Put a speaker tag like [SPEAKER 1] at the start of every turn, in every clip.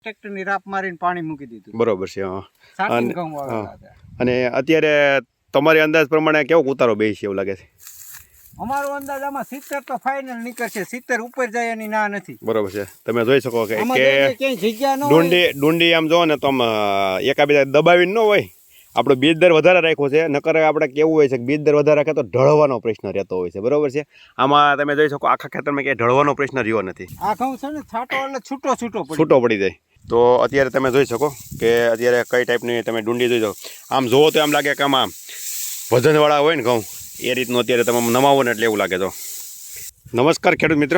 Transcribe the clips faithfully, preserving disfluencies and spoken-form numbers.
[SPEAKER 1] ટ્રેક્ટરની રાપ મારીને પાણી મૂકી દીધું.
[SPEAKER 2] બરોબર છે. હા.
[SPEAKER 1] સાટીને ઘઉં વાવેલા હતા.
[SPEAKER 2] અને અત્યારે તમારી અંદાજ પ્રમાણે કેવો ઉતારો બે છે એવું લાગે છે?
[SPEAKER 1] અમારો અંદાજ આમાં સિત્તેર તો ફાઇનલ નીકળશે. સિત્તેર ઉપર જાય એની ના નથી.
[SPEAKER 2] બરોબર છે. તમે જોઈ શકો કે
[SPEAKER 1] ક્યાંય જગ્યા ન હોય.
[SPEAKER 2] ડુંડી ડુંડી આમ જો ને તો આમ એકાબીજા દબાવીને ન હોય. આપણો બીજ દર વધારે રાખ્યો છે. નકર આપણે કેવું હોય છે કે બીજ દર વધારે રાખે તો ઢળવાનો પ્રશ્ન રહેતો હોય છે. બરોબર છે. આમાં તમે જોઈ શકો આખા ખેતરમાં ક્યાંય ઢળવાનો પ્રશ્ન રહ્યો નથી.
[SPEAKER 1] આ ઘઉં છે ને છાંટો એટલે છૂટો છૂટો પડી
[SPEAKER 2] છૂટો પડી જાય. તો અત્યારે તમે જોઈ શકો કે અત્યારે કઈ ટાઈપની તમે ડુંડી જોઈ શકો. આમ જોવો તો એમ લાગે કે આમાં વજનવાળા હોય ને ઘઉં એ રીતનું અત્યારે તમે નમાવો ને એટલે એવું લાગે. તો નમસ્કાર ખેડૂત મિત્રો.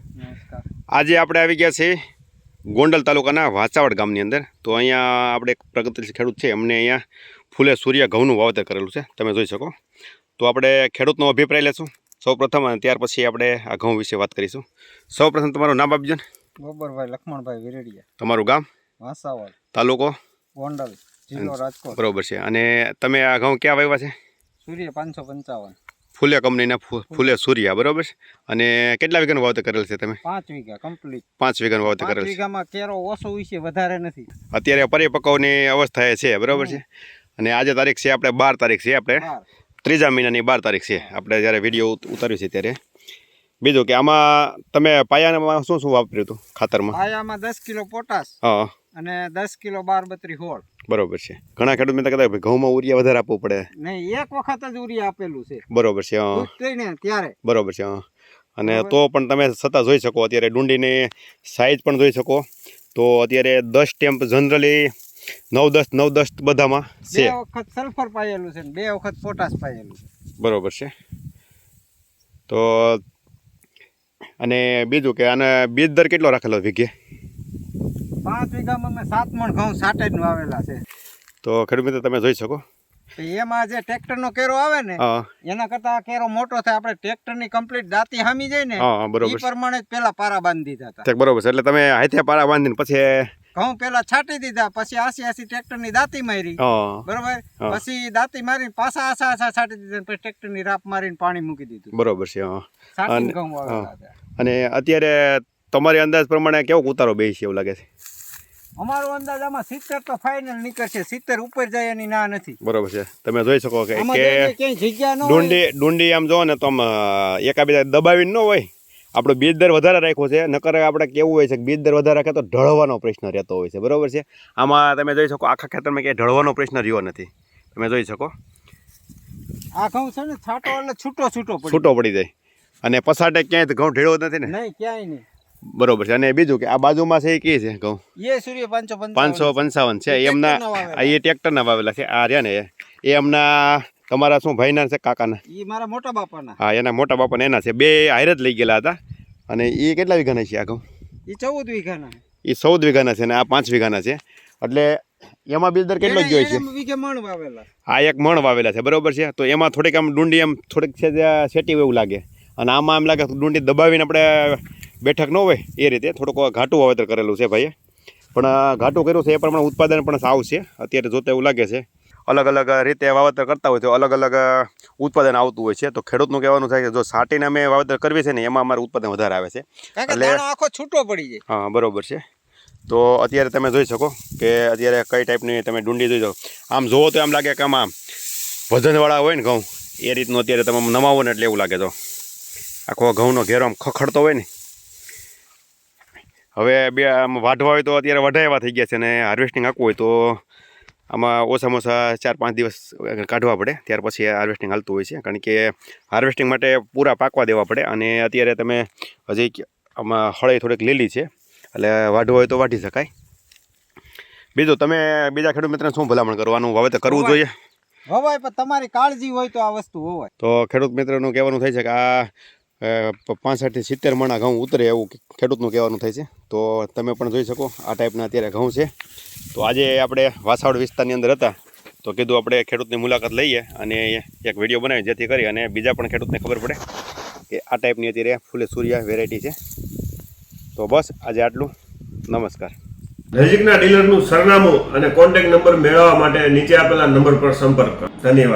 [SPEAKER 2] આજે આપણે આવી ગયા છીએ ગોંડલ તાલુકાના વાચાવડ ગામની અંદર. તો અહીંયા આપણે એક પ્રગતિશીલ ખેડૂત છે, એમને અહીંયા ફૂલે સૂર્ય ઘઉંનું વાવેતર કરેલું છે, તમે જોઈ શકો. તો આપણે ખેડૂતનો અભિપ્રાય લેશું સૌ પ્રથમ, અને ત્યાર પછી આપણે આ ઘઉં વિશે વાત કરીશું. સૌ પ્રથમ તમારું નામ આપજો ને.
[SPEAKER 1] ગોબરભાઈ લક્ષ્મણભાઈ વિરડિયા.
[SPEAKER 2] તમારું ગામ?
[SPEAKER 1] વાસાવડ.
[SPEAKER 2] તાલુકો?
[SPEAKER 1] ગોંડલ, જિલ્લો રાજકોટ.
[SPEAKER 2] બરોબર છે. અને તમે આ ઘઉં ક્યાં વાવ્યા છે?
[SPEAKER 1] સૂર્ય પાંચસો પંચાવન.
[SPEAKER 2] ફૂલે કંપનીના ફૂલે સૂર્યા. બરોબર છે. અને કેટલા વીઘાનું વાવેતર કરેલ છે તમે?
[SPEAKER 1] પાંચ વીઘા કમ્પ્લીટ.
[SPEAKER 2] પાંચ વીઘાનું વાવેતર કરેલ છે.
[SPEAKER 1] વીઘામાં કેરો ઓછો વિશે વધારે નથી.
[SPEAKER 2] અત્યારે પરિપક્વની અવસ્થાએ છે. બરોબર છે. અને આજે તારીખ છે આપણે બાર તારીખ છે, આપણે ત્રીજા મહિનાની બાર તારીખ છે આપણે જ્યારે વિડીયો ઉતાર્યું છે ત્યારે. બીજું કે આમાં તમે પાયામાં શું શું વાપર્યું હતું ખાતરમાં?
[SPEAKER 1] પાયામાં દસ કિલો પોટાશ.
[SPEAKER 2] હા. અને
[SPEAKER 1] દસ કિલો બાર બત્રી હોળ.
[SPEAKER 2] બરોબર છે. ઘણા ખેડૂત મિત્ર કહેતા ઘઉંમાં ઉરિયા વધારે આપવું પડે.
[SPEAKER 1] નહીં, એક વખત જ ઉરિયા આપેલું છે.
[SPEAKER 2] બરોબર છે. હા.
[SPEAKER 1] ત્યારે
[SPEAKER 2] બરોબર છે. હા. અને તો પણ તમે છતાં જોઈ શકો અત્યારે ડુંડીની સાઈઝ પણ જોઈ શકો. તો અત્યારે દસ ટેમ્પ જનરલી નવ દસ નવ દસ બધામાં છે.
[SPEAKER 1] બે વખત સલ્ફર પાયેલું છે, બે વખત પોટાશ પાયેલું છે.
[SPEAKER 2] બરોબર છે. તો અને બીજું કે આને બીજ દર કેટલો રાખેલો વીઘે?
[SPEAKER 1] પાંચ વીઘામાં મેં સાત મણ ઘઉં સાટે જ વાવેલા છે.
[SPEAKER 2] તો ખેડૂત મિત્રો તમે જોઈ શકો.
[SPEAKER 1] એમાં જે ટ્રેક્ટર નો કેરો આવે ને એના કરતા કેરો મોટો થાય. આપણે ટ્રેક્ટર ની કમ્પ્લીટ દાંતી હામી જાય ને એ પ્રમાણે જ પેલા પારા બાંધી દીધા હતા.
[SPEAKER 2] બરોબર છે. એટલે તમે હાથે પારા બાંધીને પછી
[SPEAKER 1] ઘઉં પેલા છાંટી દીધા, પછી આસી આસી ટ્રેક્ટર ની દાંતી મારી. બરોબર. પછી દાંતી મારીને પાછા આસા આસા છાંટી દીધા, પછી ટ્રેક્ટર ની રાપ મારીને પાણી મૂકી દીધું. બરોબર છે. અને અત્યારે તમારી અંદાજ પ્રમાણે કેવો ઉતારો બે છે એવું લાગે છે? અમારો અંદાજ આમાં સિત્તેર તો ફાઇનલ નીકળશે. સિત્તેર ઉપર જાય એની ના નથી. બરોબર છે. તમે જોઈ શકો કે ક્યાંય જગ્યા ન હોય.
[SPEAKER 2] ડુંડી ડુંડી આમ જો ને તો આમ એકાબીજા દબાવીને ન હોય. આપણો બીજ દર વધારે રાખ્યો છે. નકર આપણે કેવું હોય છે કે બીજ દર વધારે રાખે તો ઢળવાનો પ્રશ્ન રહેતો હોય છે. બરોબર છે. આમાં તમે જોઈ શકો આખા ખેતરમાં ક્યાંય ઢળવાનો પ્રશ્ન રહ્યો નથી. તમે જોઈ શકો
[SPEAKER 1] આ ઘઉં છે ને છાંટો એટલે છૂટો છૂટો પડી
[SPEAKER 2] છૂટો પડી જાય. અને પસાટે ક્યાંય ઘઉં ઢેળો નથી ને?
[SPEAKER 1] નહીં, ક્યાંય નહીં.
[SPEAKER 2] બરોબર છે. અને બીજું કે આ બાજુમાં છે એ કી છે ઘઉં?
[SPEAKER 1] એ સૂર્ય પાંચસો
[SPEAKER 2] પાંચસો પંચાવન છે. એમના એ ટ્રેક્ટરના વાવેલા છે. આ રહ્યા ને એ એમના તમારા શું ભાઈના છે કાકાના?
[SPEAKER 1] એ મારા મોટા બાપાના.
[SPEAKER 2] હા, એના મોટા બાપાના એના છે. બે હારે જ લઈ ગયેલા હતા. અને એ કેટલા વીઘાના છે આ ઘઉં?
[SPEAKER 1] એ ચૌદ વીઘાના.
[SPEAKER 2] એ ચૌદ વીઘાના છે ને આ પાંચ વીઘાના છે. એટલે એમાં બીજ દર કેટલો જ જોઈએ છે? આ એક મણ વાવેલા છે. બરોબર છે. તો એમાં થોડીક આમ ડુંડી આમ થોડીક છે સેટી એવું લાગે. અને આમાં એમ લાગે ડુંડી દબાવીને આપણે બેઠક ન હોય એ રીતે થોડુંક ઘાટું વાવેતર કરેલું છે ભાઈએ. પણ ઘાટું કર્યું છે એ પ્રમાણે ઉત્પાદન પણ સાવ છે. અત્યારે જોતા એવું લાગે છે. અલગ અલગ રીતે વાવેતર કરતા હોય તો અલગ અલગ ઉત્પાદન આવતું હોય છે. તો ખેડૂતનું કહેવાનું થાય કે જો સાટીને અમે વાવેતર કરવી છે ને એમાં અમારું ઉત્પાદન વધારે આવે છે.
[SPEAKER 1] એટલે આખો છૂટો પડી જાય.
[SPEAKER 2] હા, બરોબર છે. તો અત્યારે તમે જોઈ શકો કે અત્યારે કઈ ટાઈપની તમે ડુંડી જોઈ શકો. આમ જોવો તો એમ લાગે કે આમાં વજનવાળા હોય ને ઘઉં એ રીતનું અત્યારે તમે નમાવો ને એટલે એવું લાગે. તો આખો ઘઉંનો ઘેરો આમ ખખડતો હોય ને. હવે બે આમ વાઢવા હોય તો અત્યારે વઢાવ્યા થઈ ગયા છે. અને હાર્વેસ્ટિંગ આપવું હોય તો આમાં ઓછામાં ઓછા ચાર પાંચ દિવસ કાઢવા પડે, ત્યાર પછી હાર્વેસ્ટિંગ હાલતું હોય છે. કારણ કે હાર્વેસ્ટિંગ માટે પૂરા પાકવા દેવા પડે. અને અત્યારે તમે હજી આમાં હળે થોડીક લીલી છે એટલે વાઢવું હોય તો વાઢી શકાય. બીજું તમે બીજા ખેડૂત મિત્રને શું ભલામણ કરવાનું વાવેતર કરવું જોઈએ?
[SPEAKER 1] હોવાય પણ તમારી કાળજી હોય તો આ વસ્તુ હોવાય.
[SPEAKER 2] તો ખેડૂત મિત્રનું કહેવાનું થાય છે કે આ પાંસઠથી સિત્તેર મણા ઘઉં ઉતરે એવું ખેડૂતનું કહેવાનું થાય છે. તો તમે પણ જોઈ શકો આ ટાઈપના અત્યારે ઘઉં છે. તો આજે આપણે વાસાવડ વિસ્તારની અંદર હતા તો કીધું આપણે ખેડૂતની મુલાકાત લઈએ અને એક વિડીયો બનાવી જેથી કરી અને બીજા પણ ખેડૂતને ખબર પડે કે આ ટાઈપની અત્યારે ફૂલે સૂર્યા વેરાયટી છે. તો બસ આજે આટલું. નમસ્કાર.
[SPEAKER 3] નજીકના ડીલરનું સરનામું અને કોન્ટેક્ટ નંબર મેળવવા માટે નીચે આપેલા નંબર પર સંપર્ક કરો. ધન્યવાદ.